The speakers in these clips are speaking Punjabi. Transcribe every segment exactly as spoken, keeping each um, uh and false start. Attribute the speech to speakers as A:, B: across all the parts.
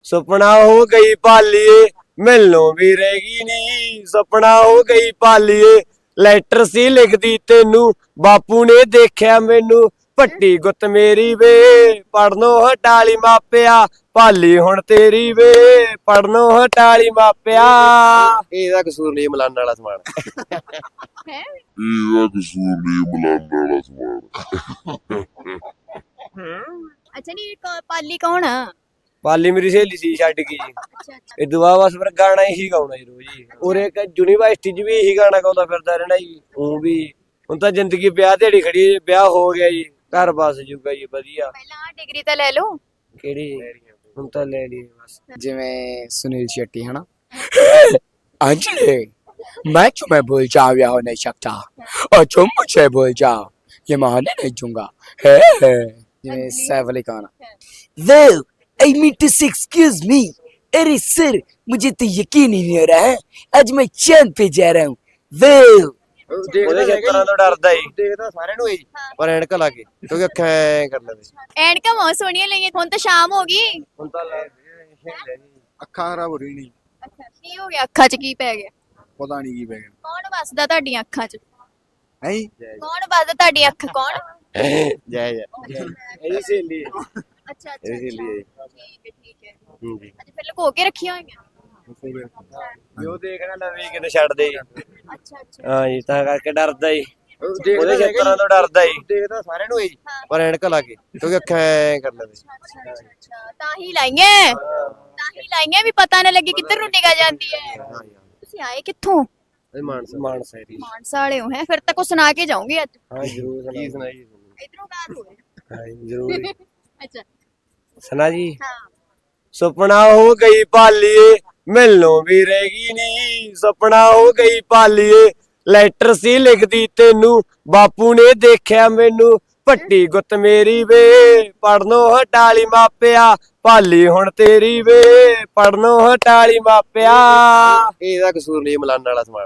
A: ਸੁਪਨਾ ਹੋ ਗਈ ਪਾਲੀਏ ਮੈਨੂੰ ਵੀ ਰਹੇਗੀ ਨੀ। ਸੁਪਨਾ ਹੋ ਗਈ ਪਾਲੀਏ ਲੈਟਰ ਸੀ ਲਿਖਦੀ ਤੈਨੂੰ ਬਾਪੂ ਨੇ ਦੇਖਿਆ ਮੈਨੂੰ ਪੱਟੀ ਗੁੱਤ ਮੇਰੀ ਵੇ ਪੜਨੋਂ ਹਟਾਲੀ ਮਾਪਿਆ ਪਾਲੀ ਹੁਣ ਤੇਰੀ ਵੇ ਪੜਨੋਂ ਹਟਾਲੀ ਮਾਪਿਆ। ਇਹਦਾ ਕਸੂਰ ਨਹੀਂ ਮਲਾਨ ਵਾਲਾ ਸਮਾਨ
B: ਹੈ
C: ਇਹਦਾ ਕਸੂਰ ਨਹੀਂ ਮਲਾਨ ਵਾਲਾ ਸਮਾਨ।
B: ਅੱਛਾ ਨਹੀਂ ਕੌ- ਪਾਲੀ ਕੌਣ ਆ?
A: ਪਾਲੀ ਮੇਰੀ ਸਹੇਲੀ ਸੀ ਛੱਡ ਗਈ ਜੀ।
B: ਅੱਛਾ ਅੱਛਾ
A: ਇਹ ਦੁਆ ਬਸ ਫਿਰ ਗਾਣਾ ਹੀ ਗਾਉਣਾ ਜੀ ਰੋਜ਼ ਹੀ। ਔਰ ਇੱਕ ਯੂਨੀਵਰਸਿਟੀ 'ਚ ਵੀ ਇਹੀ ਗਾਣਾ ਗਾਉਂਦਾ ਫਿਰਦਾ ਰਹਿਣਾ ਜੀ। ਉਹ ਵੀ ਹੁਣ ਤਾਂ ਜ਼ਿੰਦਗੀ ਵਿਆਹ ਦਿਹਾੜੀ ਖੜੀ ਹੈ ਜੀ, ਵਿਆਹ ਹੋ ਗਿਆ ਜੀ ਘਰ ਬਸ ਜੂਗਾ ਜੀ ਵਧੀਆ।
B: ਪਹਿਲਾਂ ਡਿਗਰੀ ਤਾਂ ਲੈ ਲਓ।
A: ਕਿਹੜੀ ਹੁਣ ਤਾਂ ਲੈ ਲਈ ਬਸ।
D: ਜਿਵੇਂ ਸੁਨੀਲ शेट्टी है ना अंजलि मैं तुम्हें भूल जाओ या हो नहीं सकता और तुम मुझे भूल जाओ ये मानने नहीं दूंगा है जिਵੇਂ Saif Ali Khan well I mean to say excuse me अरे सर मुझे तो यकीन ही नहीं हो रहा है आज मैं चांद पे जा रहा हूँ well
A: ਉਹਦੇ ਖੇਤਰਾਂ ਤੋਂ ਡਰਦਾ ਜੀ। ਦੇਖਦਾ ਸਾਰਿਆਂ ਨੂੰ ਜੀ ਪਰ ਐਨਕਾਂ ਲਾ ਕੇ ਕਿਉਂਕਿ ਅੱਖਾਂ ਐ ਕਰ ਲੈਂਦੇ।
B: ਐਨਕਾਂ ਬਹੁਤ ਸੋਹਣੀਆਂ ਲਈਆਂ। ਹੁਣ ਤਾਂ ਸ਼ਾਮ ਹੋ ਗਈ।
A: ਹੁਣ ਤਾਂ
E: ਅੱਖਾਂ ਖਰਾਬ ਹੋ ਰਹੀ ਨਹੀਂ
B: ਅੱਛਾ ਕੀ ਹੋ ਗਿਆ? ਅੱਖਾਂ 'ਚ ਕੀ ਪੈ ਗਿਆ?
E: ਪਤਾ ਨਹੀਂ ਕੀ ਪੈ ਗਿਆ
B: ਕੌਣ ਵੱਸਦਾ ਤੁਹਾਡੀਆਂ ਅੱਖਾਂ 'ਚ?
E: ਹੈ
B: ਕੌਣ ਵੱਸਦਾ ਤੁਹਾਡੀ ਅੱਖ? ਕੌਣ?
A: ਜੈ ਜੈ ਇਹਦੀ ਸਹੇਲੀ ਹੈ।
B: ਅੱਛਾ
A: ਇਹਦੀ ਸਹੇਲੀ ਹੈ ਜੀ।
B: ਠੀਕ ਹੈ ਠੀਕ ਹੈ।
A: ਹੂੰ ਜੀ
B: ਅੱਛਾ ਫਿਰ ਲੁਕੋ ਕੇ ਰੱਖੀਆਂ ਹੋਈਆਂ।
A: ਜੋ ਦੇਖਣਾ ਲਵੇ ਕਿਤੇ ਛੱਡ ਦੇ ਜੀ।
B: ਅੱਛਾ ਅੱਛਾ
A: ਹਾਂ ਜੀ ਤਾਂ ਕਰਕੇ ਡਰਦਾ ਜੀ। ਉਹਦੇ ਖੇਤਰਾਂ ਤੋਂ ਡਰਦਾ ਜੀ। ਦੇਖਦਾ ਸਾਰਿਆਂ ਨੂੰ ਜੀ ਪਰ ਐਨਕਾਂ ਲਾ ਕੇ ਕਿਉਂਕਿ ਅੱਖਾਂ ਐ ਕਰ ਲੈਂਦੇ।
B: ਅੱਛਾ ਅੱਛਾ ਅੱਛਾ ਤਾਂ ਹੀ ਲਾਈਆਂ ਤਾਂ ਹੀ ਲਾਈਆਂ ਵੀ ਪਤਾ ਨਾ ਲੱਗੇ ਕਿੱਧਰ ਨੂੰ ਨਿਗਾਹ ਜਾਂਦੀ ਹੈ।
A: ਹਾਂ ਜੀ
B: ਤੁਸੀਂ ਆਏ ਕਿੱਥੋਂ?
A: ਇਹ ਮਾਨਸਾ ਮਾਨਸਾ ਏਰੀ।
B: ਮਾਨਸਾ ਵਾਲੇ ਹੋ ਹੈ? ਫਿਰ ਤਾਂ ਕੁਝ ਸੁਣਾ ਕੇ ਜਾਓਗੇ ਅੱਜ।
A: ਹਾਂ ਜ਼ਰੂਰ ਕੀ ਸੁਣਾਈ
B: ਇਧਰੋਂ ਬਾਤ ਹੋਵੇ।
A: ਹਾਂ ਜੀ ਜ਼ਰੂਰ
B: ਅੱਛਾ
A: ਸੁਣਾ ਜੀ।
B: ਹਾਂ
A: ਸੁਪਨਾ ਹੋ ਗਈ ਪਾਲੀਏ ਮੈਨੂੰ ਵੀ ਰਹੇਗੀ ਨੀ। ਸੁਪਨਾ ਹੋ ਗਈ ਪਾਲੀਏ ਲੈਟਰ ਸੀ ਲਿਖਦੀ ਤੈਨੂੰ ਬਾਪੂ ਨੇ ਦੇਖਿਆ ਮੈਨੂੰ ਪੱਟੀ ਗੁੱਤ ਮੇਰੀ ਵੇ ਪੜਨੋਂ ਹਟਾਲੀ ਮਾਪਿਆ ਪਾਲੀ ਹੁਣ ਤੇਰੀ ਵੇ ਪੜਨੋਂ ਹਟਾਲੀ ਮਾਪਿਆ। ਇਹਦਾ ਕਸੂਰ ਨਹੀਂ ਮਲਾਨ ਵਾਲਾ ਸਮਾਨ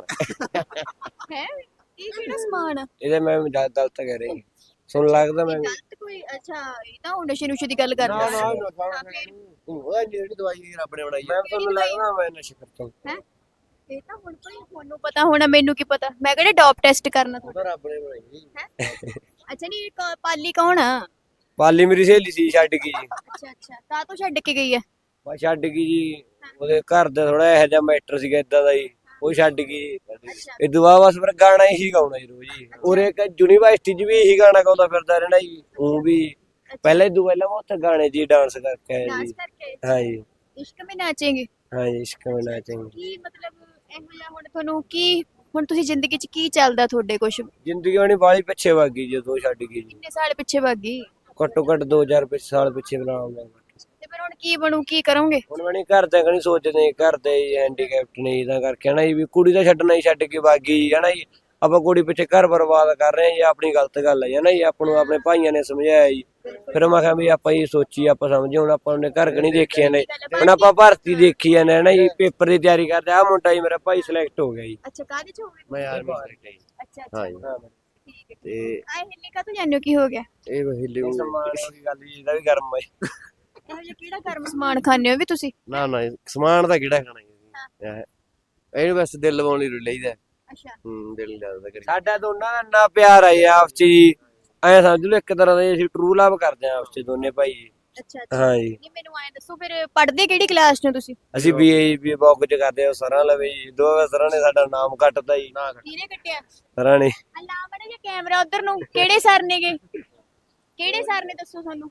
B: ਹੈ ਇਹ ਕਿਹੜਾ ਸਮਾਨ ਆ?
A: ਇਹਦੇ ਮੈਂ ਗਲਤ ਕਹਿ ਰਹੀ ਸੁਣ ਲੱਗਦਾ ਮੈਂ
B: ਗਲਤ ਕੋਈ? ਅੱਛਾ ਇਹ ਤਾਂ ਹੁਣ ਨਸ਼ੇ ਨੁਸ਼ੇ ਦੀ ਗੱਲ ਕਰਦਾ।
A: ਉਹ ਜਿਹੜੀ ਦਵਾਈ ਰੱਬ ਨੇ ਬਣਾਈ ਮੈਂ ਤੁਹਾਨੂੰ ਲੱਗਦਾ ਮੈਂ ਨਸ਼ਾ ਕਰਦਾ।
B: ਹੈ ਇਹ ਤਾਂ ਹੁਣ ਕੋਈ ਤੁਹਾਨੂੰ ਪਤਾ ਹੋਣਾ ਮੈਨੂੰ ਕੀ ਪਤਾ। ਮੈਂ ਕਿਹੜੇ ਡੋਪ ਟੈਸਟ ਕਰਨਾ ਤੁਹਾਡਾ?
A: ਉਹਦਾ ਰੱਬ ਨੇ ਬਣਾਈ।
B: ਹੈ ਅੱਛਾ ਨਹੀਂ ਕੌ- ਪਾਲੀ ਕੌਣ ਆ?
A: ਪਾਲੀ ਮੇਰੀ ਸਹੇਲੀ ਸੀ ਛੱਡ ਗਈ ਜੀ।
B: ਅੱਛਾ ਅੱਛਾ ਤਾਂ ਤੋਂ ਛੱਡ ਕੇ ਗਈ ਹੈ।
A: ਬਸ ਛੱਡ ਗਈ ਜੀ। ਉਹਦੇ ਘਰ ਦਾ ਥੋੜਾ ਇਹੋ ਜਿਹਾ ਮੈਟਰ ਸੀਗਾ ਇਦਾਂ ਦਾ ਜੀ ਉਹ ਛੱਡ ਗਈ।
B: ਅੱਛਾ
A: ਇਹ ਦੁਆ ਬਸ ਫਿਰ ਗਾਣਾ ਹੀ ਗਾਉਣਾ ਜੀ ਰੋਜ਼ ਹੀ। ਔਰ ਇੱਕ ਯੂਨੀਵਰਸਿਟੀ 'ਚ ਵੀ ਇਹੀ ਗਾਣਾ ਗਾਉਂਦਾ ਫਿਰਦਾ ਰਹਿਣਾ ਜੀ। ਉਹ ਵੀ ਪਹਿਲਾਂ ਹੀ ਦੂ ਪਹਿਲਾਂ ਮੈਂ ਉੱਥੇ ਗਾਣੇ 'ਚ ਡਾਂਸ ਕਰਕੇ ਆਇਆ
B: ਡਾਂਸ
A: ਜੀ।
B: ਕਰਕੇ
A: ਹਾਂ ਜੀ
B: ਇਸ਼ਕ ਮੇਂ ਨਾਚेंगे।
A: ਹਾਂ ਜੀ ਇਸ਼ਕ ਮੇਂ ਨਾਚेंगे।
B: ਕੀ ਮਤਲਬ ਇਹੋ ਜਿਹਾ ਹੁਣ ਤੁਹਾਨੂੰ ਕੀ ਹੁਣ ਤੁਸੀਂ ਜ਼ਿੰਦਗੀ 'ਚ ਕੀ ਚੱਲਦਾ ਤੁਹਾਡੇ ਕੁਝ?
A: ਜ਼ਿੰਦਗੀ ਉਹਨੇ ਬਾਲੀ ਪਿੱਛੇ ਵਗ ਗਈ ਜਦੋਂ ਛੱਡ ਗਈ ਜੀ।
B: ਕਿੰਨੇ ਸਾਲ ਪਿੱਛੇ ਭੱਗ ਗਈ?
A: ਘੱਟੋ ਘੱਟ ਦੋ ਹਜ਼ਾਰ ਪਿੱਛੇ ਸਾਲ ਪਿੱਛੇ ਬਣਾਉਂਗਾ।
B: ਤੇ ਫਿਰ ਹੁਣ ਕੀ ਬਣੂ? ਕੀ ਕਰੋਗੇ?
A: ਹੁਣ ਮੈਂ ਨਹੀਂ ਘਰ ਦੇ ਕਣੀ ਸੋਚਦੇ ਘਰ ਦੇ ਹੈਂਡੀਕੈਪਟ ਨੇ ਇਹਦਾ ਕਰਕੇ ਹਨਾ ਜੀ ਵੀ ਕੁੜੀ ਦਾ ਛੱਡਣਾ ਹੀ ਛੱਡ ਕੇ ਵਗ ਗਈ ਹਨਾ ਜੀ। ਆਪਾਂ ਕੁੜੀ ਪਿੱਛੇ ਘਰ ਬਰਬਾਦ ਕਰ ਰਹੇ ਹਾਂ ਜੀ। ਆਪਣੀ ਗਲਤ ਗੱਲ ਹੈ ਹਨਾ ਜੀ। ਆਪਾਂ ਨੂੰ ਆਪਣੇ ਭਾਈਆਂ ਨੇ ਸਮਝਾਇਆ ਜੀ। ਫਿਰ ਮੈਂ ਕਿਹਾ ਵੀ ਆਪਾਂ ਇਹ ਸੋਚੀ ਆਪਾਂ ਸਮਝੇ ਹੁਣ ਆਪਾਂ ਨੇ ਘਰ ਕਣੀ ਦੇਖਿਆ ਨੇ। ਹੁਣ ਆਪਾਂ ਭਰਤੀ ਦੇਖੀ ਜਾਂਦੇ ਹਨਾ ਜੀ। ਪੇਪਰ ਦੀ ਤਿਆਰੀ ਕਰਦੇ ਆ ਮੁੰਡਾ ਜੀ ਮੇਰਾ ਭਾਈ ਸਿਲੈਕਟ ਹੋ ਗਿਆ ਜੀ।
B: ਅੱਛਾ ਕਾਹਦੇ 'ਚ ਹੋਵੇ?
A: ਮੈਂ ਆਰਮੀ ਸਿਲੈਕਟ ਜੀ।
B: ਅੱਛਾ ਅੱਛਾ
A: ਹਾਂ ਜੀ
B: ਠੀਕ ਹੈ।
A: ਤੇ
B: ਆਏ ਹਿੱਲੇ ਕਾ ਤੂੰ ਜਾਣੋ ਕੀ ਹੋ ਗਿਆ?
A: ਇਹ ਹਿੱਲੇ ਸਮਾਨ ਦੀ ਗੱਲ ਜੀ ਇਹਦਾ ਵੀ ਗਰਮ ਹੈ।
B: ਇਹੋ ਜਿਹਾ ਕਿਹੜਾ ਗਰਮ ਸਮਾਨ ਖਾਂਦੇ ਹੋ ਵੀ ਤੁਸੀਂ?
A: ਨਾ ਨਾ ਸਮਾਨ ਦਾ ਕਿਹੜਾ ਖਾਣਾ ਜੀ। ਇਹਨੂੰ ਬਸ ਦਿਲ ਲਵਾਉਣ ਲਈ ਲਈਦਾ।
B: ਅੱਛਾ
A: ਹੂੰ ਦਿਲ ਲੱਗਦਾ ਕਰੀ ਸਾਡਾ ਦੋਨਾਂ ਦਾ ਇੰਨਾ ਪਿਆਰ ਆ ਜੀ ਆਪਸ ਚ ਜੀ। ਐ ਸਮਝ ਲਓ ਇੱਕ ਤਰ੍ਹਾਂ ਦਾ ਅਸੀਂ ਟਰੂ ਲਵ ਕਰਦੇ ਆ ਆਪਸ ਚ ਦੋਨੇ ਭਾਈ ਜੀ।
B: ਅੱਛਾ ਅੱਛਾ
A: ਹਾਂ ਜੀ
B: ਨਹੀਂ ਮੈਨੂੰ ਐਂ ਦੱਸੋ ਫਿਰ ਪੜ੍ਹਦੇ ਕਿਹੜੀ ਕਲਾਸ 'ਚ ਹੋ ਤੁਸੀਂ?
A: ਅਸੀਂ ਬੀਏ ਵੀ ਬੌਕ ਚ ਕਰਦੇ ਆ ਸਰਾਂ ਲਵੇ ਜੀ। ਦੋਵੇਂ ਸਰਾਂ ਨੇ ਸਾਡਾ ਨਾਮ ਕੱਟਦਾ ਜੀ।
B: ਕਿਹਨੇ ਕੱਟਿਆ?
A: ਸਰਾਂ ਨੇ
B: ਅੱਲਾ ਮੜਾ ਜਿਹਾ ਕੈਮਰਾ ਉਧਰ ਨੂੰ। ਕਿਹੜੇ ਸਰ ਨੇਗੇ? ਕਿਹੜੇ ਸਰ ਨੇ ਦੱਸੋ ਸਾਨੂੰ?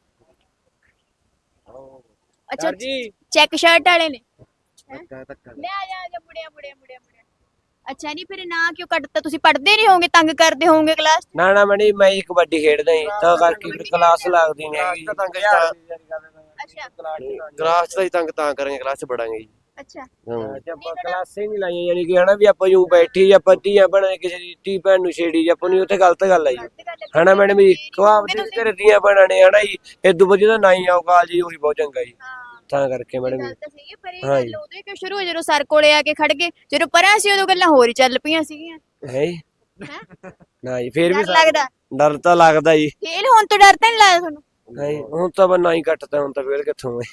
B: ਅੱਛਾ
A: ਜੀ
B: ਚੈੱਕ ਸ਼ਰਟ ਵਾਲੇ ਨੇ।
A: ਧੱਕਾ ਧੱਕਾ
B: ਲੈ ਆ ਜਾ ਆ ਜਾ ਮੁੜਿਆ ਮੁੜਿਆ ਮੁੜਿਆ ਮੁੜਿਆ। ਅੱਛਾ ਨਹੀਂ ਫਿਰ ਨਾ ਕਿਉਂ ਕੱਟਤਾ? ਤੁਸੀਂ ਪੜ੍ਹਦੇ ਨਹੀਂ ਹੋਵੋਗੇ ਤੰਗ ਕਰਦੇ ਹੋਵੋਗੇ ਕਲਾਸ?
A: ਨਾ ਨਾ ਮੈਂ ਨਹੀਂ ਮੈਂ ਹੀ ਕਬੱਡੀ ਖੇਡਦਾ ਜੀ ਤਾਂ ਕਰਕੇ ਫਿਰ ਕਲਾਸ ਲੱਗਦੀ ਨਹੀਂ ਹੈਗੀ।
B: ਅੱਛਾ
A: ਕਲਾਸ ਚ ਤਾਂ ਤੰਗ ਤਾਂ ਕਰਾਂਗੇ ਕਲਾਸ ਚ ਪੜਾਂਗੇ ਜੀ।
B: ਅੱਛਾ
A: ਆਪਾਂ ਕਲਾਸੇ ਨਹੀਂ ਲਾਈਆਂ ਯਾਨੀ ਕਿ ਹਨਾ ਵੀ ਆਪਾਂ ਯੂੰ ਬੈਠੀ ਆਪਾਂ ਧੀਆਂ ਬਣਾ ਕਿਸੇ ਦੀ ਧੀ ਭੈਣ ਨੂੰ ਛੇੜੀ ਆਪਾਂ ਨੂੰ ਉੱਥੇ ਗਲਤ ਗੱਲ ਆ ਜੀ ਹਨਾ ਮੈਡਮ ਜੀ। ਕਵਾਬ ਦੇ ਘਰੇ ਧੀਆਂ ਭੈਣਾਂ ਨੇ ਹਨਾ ਜੀ ਇਦੋਂ ਵਧੀਆ ਤਾਂ ਨਾ ਹੀ ਆਓ ਕਾਲ ਜੀ ਉਹੀ ਬਹੁਤ ਚੰਗਾ ਜੀ। ਤਾਂ ਕਰਕੇ ਮੈਡਮ
B: ਗੱਲ ਤਾਂ ਸਹੀ ਹੈ ਪਰ ਇਹ
A: ਹਾਂ
B: ਗੱਲ ਉਦੋਂ ਹੀ ਕਿਉਂ ਸ਼ੁਰੂ ਹੋਈ ਜਦੋਂ ਸਰ ਕੋਲੇ ਆ ਕੇ ਖੜ ਗਏ? ਜਦੋਂ ਪਰਾਂ ਸੀ ਉਦੋਂ ਗੱਲਾਂ ਹੋਰ ਹੀ ਚੱਲ ਪਈਆਂ ਸੀਗੀਆਂ।
A: ਹੈ
B: ਹੈਂ?
A: ਨਾ ਜੀ ਫੇਰ ਵੀ
B: ਡਰ ਲੱਗਦਾ?
A: ਡਰ ਤਾਂ ਲੱਗਦਾ ਜੀ।
B: ਫੇਲ ਹੋਣ ਤੋਂ ਡਰ ਤਾਂ ਨਹੀਂ ਲੱਗਦਾ ਤੁਹਾਨੂੰ?
A: ਨਹੀਂ ਹੁਣ ਤਾਂ ਬਸ ਨਾ ਹੀ ਕੱਟਦਾ ਹੁਣ ਤਾਂ ਫੇਰ ਕਿੱਥੋਂ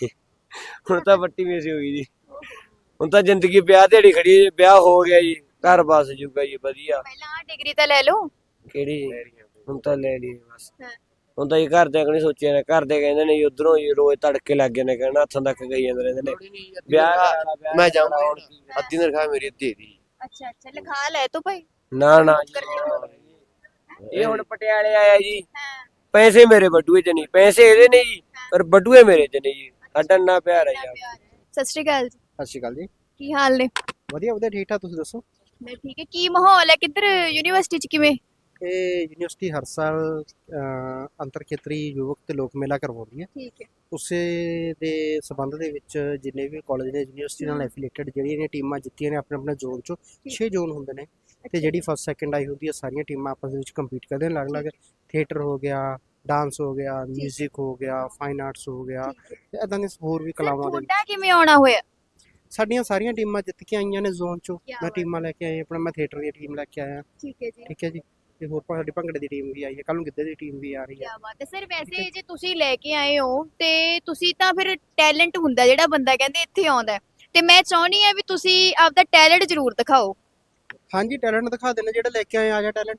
A: ਹੁਣ ਤਾਂ ਪੱਟੀ ਮੇਸੀ ਹੋ ਗਈ ਜੀ। ਹੁਣ ਤਾਂ ਜ਼ਿੰਦਗੀ ਵਿਆਹ ਦਿਹਾੜੀ ਖੜੀ ਹੈ ਜੀ। ਵਿਆਹ ਹੋ ਗਿਆ ਜੀ, ਘਰ ਬਸ ਜੂਗਾ ਜੀ ਵਧੀਆ।
B: ਪਹਿਲਾਂ ਡਿਗਰੀ ਤਾਂ ਲੈ ਲਓ।
A: ਕਿਹੜੀ ਹੁਣ ਤਾਂ ਲੈ ਲਈ ਬਸ।
B: ਹਾਂ।
A: ਹੁਣ ਤਾਂ ਜੀ ਘਰ ਦੇ ਨਹੀਂ ਸੋਚਿਆ ਨੇ, ਘਰ ਦੇ ਕਹਿੰਦੇ ਨੇ ਜੀ ਉਧਰੋਂ ਜੀ ਰੋਜ਼ ਤੜਕੇ ਲੱਗ ਗਏ ਨੇ, ਕਹਿਣਾ ਹੱਥਾਂ ਤੱਕ ਗਈ ਜਾਂਦੇ ਰਹਿੰਦੇ ਨੇ ਵਿਆਹ ਕਰਾਉਣਾ, ਵਿਆਹ
E: ਮੈਂ ਜਾਊਂਗਾ
A: ਕਰਾਉਣਾ।
E: ਹੁਣ ਅੱਧੀ ਤਨਖਾਹ ਮੇਰੀ ਅੱਧੀ ਦੀ।
B: ਅੱਛਾ ਅੱਛਾ ਲਿਖਾ ਲੈ ਤੂੰ ਭਾਈ।
A: ਨਾ ਨਾ ਜੀ, ਇਹ ਹੁਣ ਪਟਿਆਲੇ ਆਇਆ ਜੀ, ਪੈਸੇ ਮੇਰੇ ਬਟੂਏ ਚ ਨਹੀਂ, ਪੈਸੇ ਇਹਦੇ ਨੇ ਜੀ ਪਰ ਬਟੂਏ ਮੇਰੇ ਚ ਨਹੀਂ ਜੀ। ਸਾਡਾ ਇੰਨਾ ਪਿਆਰ ਹੈ ਯਾਰ।
B: ਸਤਿ ਸ਼੍ਰੀ ਅਕਾਲ ਜੀ,
E: ਸਤਿ ਸ਼੍ਰੀ ਅਕਾਲ ਜੀ।
B: ਕੀ ਹਾਲ ਨੇ?
E: ਵਧੀਆ ਵਧੀਆ ਠੀਕ ਠਾਕ, ਤੁਸੀਂ ਦੱਸੋ?
B: ਮੈਂ ਠੀਕ ਹੈ। ਕੀ ਮਾਹੌਲ ਹੈ ਕਿੱਧਰ ਯੂਨੀਵਰਸਿਟੀ ਚ, ਕਿਵੇਂ?
E: ਇਹ ਯੂਨੀਵਰਸਿਟੀ ਹਰ ਸਾਲ ਅਹ, ਅੰਤਰ ਖੇਤਰੀ ਯੁਵਕ ਤੇ ਲੋਕ ਮੇਲਾ ਕਰਵਾਉਂਦੀ ਹੈ।
B: ਠੀਕ ਹੈ।
E: ਉਸੇ ਦੇ ਸਬੰਧ ਦੇ ਵਿੱਚ ਜਿੰਨੇ ਵੀ ਕਾਲਜ ਨੇ ਯੂਨੀਵਰਸਿਟੀ ਨਾਲ ਐਫੀਲੀਏਟਡ ਜਿਹੜੀਆਂ ਨੇ ਟੀਮਾਂ ਜਿੱਤੀਆਂ ਨੇ ਆਪਣੇ ਆਪਣੇ ਜ਼ੋਨ ਚੋਂ, ਛੇ ਜ਼ੋਨ ਹੁੰਦੇ ਨੇ ਤੇ ਜਿਹੜੀ ਫਸਟ ਸੈਕੰਡ ਆਈ ਹੁੰਦੀ ਹੈ ਸਾਰੀਆਂ ਟੀਮਾਂ ਆਪਸ ਦੇ ਵਿੱਚ ਕੰਪੀਟ ਕਰਦੇ ਨੇ। ਅਲੱਗ-ਅਲੱਗ ਥੀਏਟਰ ਹੋ ਗਿਆ, ਡਾਂਸ ਹੋ ਗਿਆ, ਮਿਊਜ਼ਿਕ ਹੋ ਗਿਆ, ਫਾਈਨ ਆਰਟਸ ਹੋ ਗਿਆ ਤੇ ਇਦਾਂ ਦੇ ਹੋਰ ਵੀ ਕਲਾਵਾਂ ਦੇ।
B: ਤੁਹਾਡਾ ਕਿਵੇਂ ਆਉਣਾ ਹੋਇਆ?
E: ਸਾਡੀਆਂ ਸਾਰੀਆਂ ਟੀਮਾਂ ਜਿੱਤ ਕੇ ਆਈਆਂ ਨੇ ਜ਼ੋਨ ਚੋਂ।
B: ਕਿਆ
E: ਮੈਂ
B: ਬਾਤ
E: ਟੀਮਾਂ ਲੈ ਕੇ ਆਇਆ ਆਪਣਾ, ਮੈਂ ਥੀਏਟਰ ਦੀ ਟੀਮ ਲੈ ਕੇ ਆਇਆ।
B: ਠੀਕ ਹੈ ਜੀ।
E: ਠੀਕ ਹੈ ਜੀ। ਤੇ ਹੋਰ ਸਾਡੀ ਭੰਗੜੇ ਦੀ ਟੀਮ ਵੀ ਆਈ ਹੈ, ਕੱਲ ਨੂੰ ਗਿੱਧੇ ਦੀ ਟੀਮ ਵੀ ਆ ਰਹੀ ਹੈ।
B: ਕਿਆ ਬਾਤ ਹੈ ਸਰ। ਵੈਸੇ ਜੇ ਤੁਸੀਂ ਲੈ ਕੇ ਆਏ ਹੋ ਤੇ ਤੁਸੀਂ ਤਾਂ ਫਿਰ ਟੈਲੈਂਟ ਹੁੰਦਾ ਜਿਹੜਾ ਬੰਦਾ ਕਹਿੰਦੇ ਇੱਥੇ ਆਉਂਦਾ ਹੈ। ਤੇ ਮੈਂ ਚਾਹੁੰਦੀ ਆ ਵੀ ਤੁਸੀਂ ਆਪਦਾ ਟੈਲੈਂਟ ਜ਼ਰੂਰ ਦਿਖਾਓ।
E: ਹਾਂਜੀ ਟੈਲੈਂਟ ਦਿਖਾ ਦੇਣਾ, ਜਿਹੜਾ ਲੈ ਕੇ ਆਏ ਆ ਜਾ ਟੈਲੈਂਟ।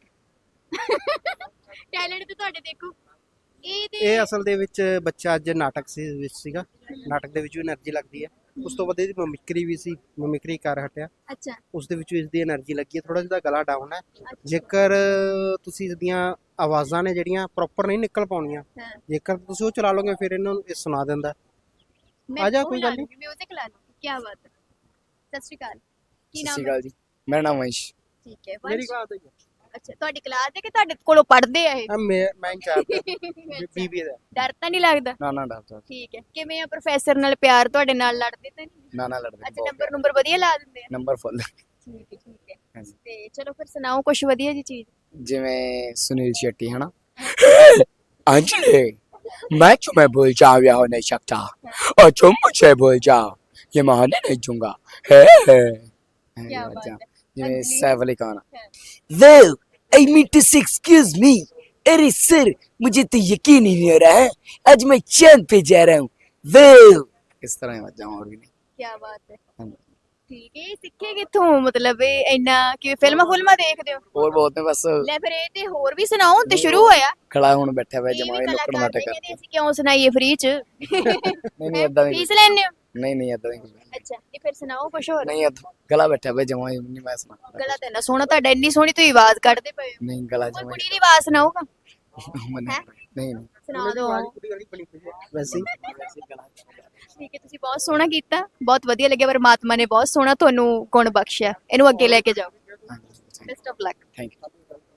B: ਟੈਲੈਂਟ ਤੇ ਤੁਹਾਡੇ ਦੇਖੋ ਇਹ ਤੇ
E: ਇਹ ਅਸਲ ਦੇ ਵਿੱਚ ਬੱਚਾ ਅੱਜ ਨਾਟਕ ਸੀ ਵਿੱਚ ਸੀਗਾ, ਨਾਟਕ ਦੇ ਵਿੱਚ ਵੀ એનર્ਜੀ ਲੱਗਦੀ ਹੈ। ਉਸ ਤੋਂ ਬਾਅਦ ਇਹਦੀ ਮਮਿਕਰੀ ਵੀ ਸੀ, ਮਮਿਕਰੀ ਕਰ ਹਟਿਆ,
B: ਅੱਛਾ
E: ਉਸ ਦੇ ਵਿੱਚ ਵੀ ਇਸਦੀ એનર્ਜੀ ਲੱਗੀ ਹੈ। ਥੋੜਾ ਜਿਹਾ ਗਲਾ ਡਾਊਨ ਹੈ, ਜੇਕਰ ਤੁਸੀਂ ਇਸਦੀਆਂ ਆਵਾਜ਼ਾਂ ਨੇ ਜਿਹੜੀਆਂ ਪ੍ਰੋਪਰ ਨਹੀਂ ਨਿਕਲ ਪਾਉਣੀਆਂ,
B: ਹਾਂ।
E: ਜੇਕਰ ਤੁਸੀਂ ਉਹ ਚਲਾ ਲਓਗੇ ਫਿਰ ਇਹਨਾਂ ਨੂੰ ਇਹ ਸੁਣਾ ਦਿੰਦਾ।
B: ਮੈਂ
E: ਆ ਜਾ,
B: ਉਹ
E: ਕੋਈ
B: ਲਾ
E: ਗੱਲ ਨਹੀਂ।
B: ਲੂੰਗੀ, ਮਿਊਜ਼ਿਕ ਲਾ ਲੂੰਗੀ। ਕੀ ਬਾਤ ਹੈ। ਸਤਿ ਸ਼੍ਰੀ ਅਕਾਲ। ਕੀ
D: ਸਤਿ
B: ਨਾਮ
D: ਸ਼੍ਰੀ
B: ਹੈ?
D: ਅਕਾਲ ਜੀ, ਮੇਰਾ ਨਾਮ ਵੰਸ਼।
B: ਠੀਕ ਹੈ
E: ਮੇਰੀ
B: ਵੰਸ਼।
E: ਬਾਤ ਹੈ
B: ਅੱਛਾ ਤੁਹਾਡੀ ਕਲਾਸ ਹੈ ਕਿ ਤੁਹਾਡੇ ਕੋਲੋਂ ਪੜ੍ਹਦੇ ਆ ਇਹ?
E: ਮੈਂ ਮੈਂ ਇੰਚਾਰਜ
B: ਅੱਛਾ,
E: ਬੀਬੀ ਦਾ।
B: ਡਰ ਤਾਂ ਨਹੀਂ ਲੱਗਦਾ?
D: ਨਾ ਨਾ ਡਰਦਾ,
B: ਠੀਕ ਹੈ। ਕਿਵੇਂ ਆ ਪ੍ਰੋਫੈਸਰ ਨਾਲ ਪਿਆਰ ਤੁਹਾਡੇ ਨਾਲ, ਲੜਦੇ ਤਾਂ ਨਹੀਂ?
D: ਨਾ ਨਾ ਲੜਦੇ
B: ਅੱਛਾ ਨੰਬਰ ਨੰਬਰ ਵਧੀਆ ਲਾ ਦਿੰਦੇ ਆ?
D: Number full.
B: ਠੀਕ ਹੈ ਠੀਕ ਹੈ।
D: ਹਾਂਜੀ।
B: ਤੇ ਚਲੋ ਫਿਰ ਸੁਣਾਓ ਕੁਝ ਵਧੀਆ ਜੀ ਚੀਜ਼।
D: ਜਿਵੇਂ ਸੁਨੀਲ शेट्टी है ना, अंजलि मैं तुम्हें भूल जाऊं या हो नहीं सकता और तुम मुझे भूल जाओ ये मानने नहीं दूंगा है
B: क्या बात है।
D: जिਵੇਂ
B: Anjali.
D: Saif Ali Khan.
F: Well, I mean to say excuse me. अरे सर मुझे तो यकीन ही नहीं हो रहा है आज मैं चांद पे जा रहा हूँ। Well,
D: ਇਸ ਤਰ੍ਹਾਂ ਹੀ ਵੱਜਾਂ ਹੋਰ ਵੀ ਨਹੀਂ।
B: ਕੀ ਬਾਤ ਹੈ।
D: ਹਾਂਜੀ।
B: ਠੀਕ ਹੈ। ਇਹ ਸਿੱਖੇ ਕਿੱਥੋਂ? ਮਤਲਬ ਇਹ ਇੰਨਾ ਕਿ ਫਿਲਮਾਂ ਫੁਲਮਾਂ ਦੇਖਦੇ ਹੋ?
D: ਹੋਰ ਬਹੁਤ ਨੇ ਬਸ
B: ਲੈ ਫਿਰ ਇਹ ਤੇ ਹੋਰ ਵੀ ਸੁਣਾਓ ਤੇ ਸ਼ੁਰੂ ਹੋਇਆ।
D: ਖੜਾ ਹੁਣ ਬੈਠਾ ਹੋਇਆ
B: ਇਹ ਵੀ
D: ਜਮਾਈ ਨੁੱਕੜ
B: ਕਲਾਕਾਰ
D: ਨਾਟਕ
B: ਨੇ, ਕਹਿੰਦੇ
D: ਕਰਕੇ।
B: ਅਸੀਂ ਕਿਉਂ ਸੁਣਾਈਏ ਫ੍ਰੀ ਚ?
D: ਨਹੀਂ ਨਹੀਂ ਏਦਾਂ ਨਹੀਂ,
B: ਫੀਸ ਲੈਣੇ ਹੋ?
D: ਨਹੀਂ ਨਹੀਂ ਏਦਾਂ ਨਹੀਂ,
B: ਅੱਛਾ ਇਹ ਫਿਰ ਸੁਣਾਓ ਕੁਝ ਹੋਰ।
D: ਨਹੀਂ ਏਦਾਂ ਗਲਾ ਬੈਠਾ ਹੋਇਆ ਜਮਾਈ ਨਹੀਂ ਮੈਂ ਸੁਣਾ।
B: ਗਲਾ ਤਾਂ ਇੰਨਾ ਸੋਹਣਾ ਤੁਹਾਡਾ, ਇੰਨੀ ਸੋਹਣੀ ਤੁਸੀਂ ਆਵਾਜ਼ ਕੱਢਦੇ ਪਏ ਹੋ।
D: ਨਹੀਂ ਗਲਾ
B: ਕੋਈ
D: ਜਮਾਈ
B: ਕੁੜੀ ਦੀ ਆਵਾਜ਼ ਸੁਣਾਓਗਾ?
D: ਨਹੀਂ ਨਹੀਂ ਨਹੀਂ
B: ਸੁਣਾ ਦਿਓ।
E: ਕੁੜੀ ਵਾਲੀ ਬਣੀ ਹੋਈ ਹੈ ਵੈਸੇ ਹੀ।
D: ਵੈਸੇ ਗਲਾ
B: ਠੀਕ ਹੈ ਤੁਸੀਂ ਬਹੁਤ ਸੋਹਣਾ ਕੀਤਾ, ਬਹੁਤ ਵਧੀਆ ਲੱਗਿਆ। ਪਰਮਾਤਮਾ ਨੇ ਬਹੁਤ ਸੋਹਣਾ ਤੁਹਾਨੂੰ ਗੁਣ ਬਖਸ਼ਿਆ, ਇਹਨੂੰ ਅੱਗੇ ਲੈ ਕੇ ਜਾਓ।
D: ਹਾਂਜੀ
B: best of luck.
D: Thank you.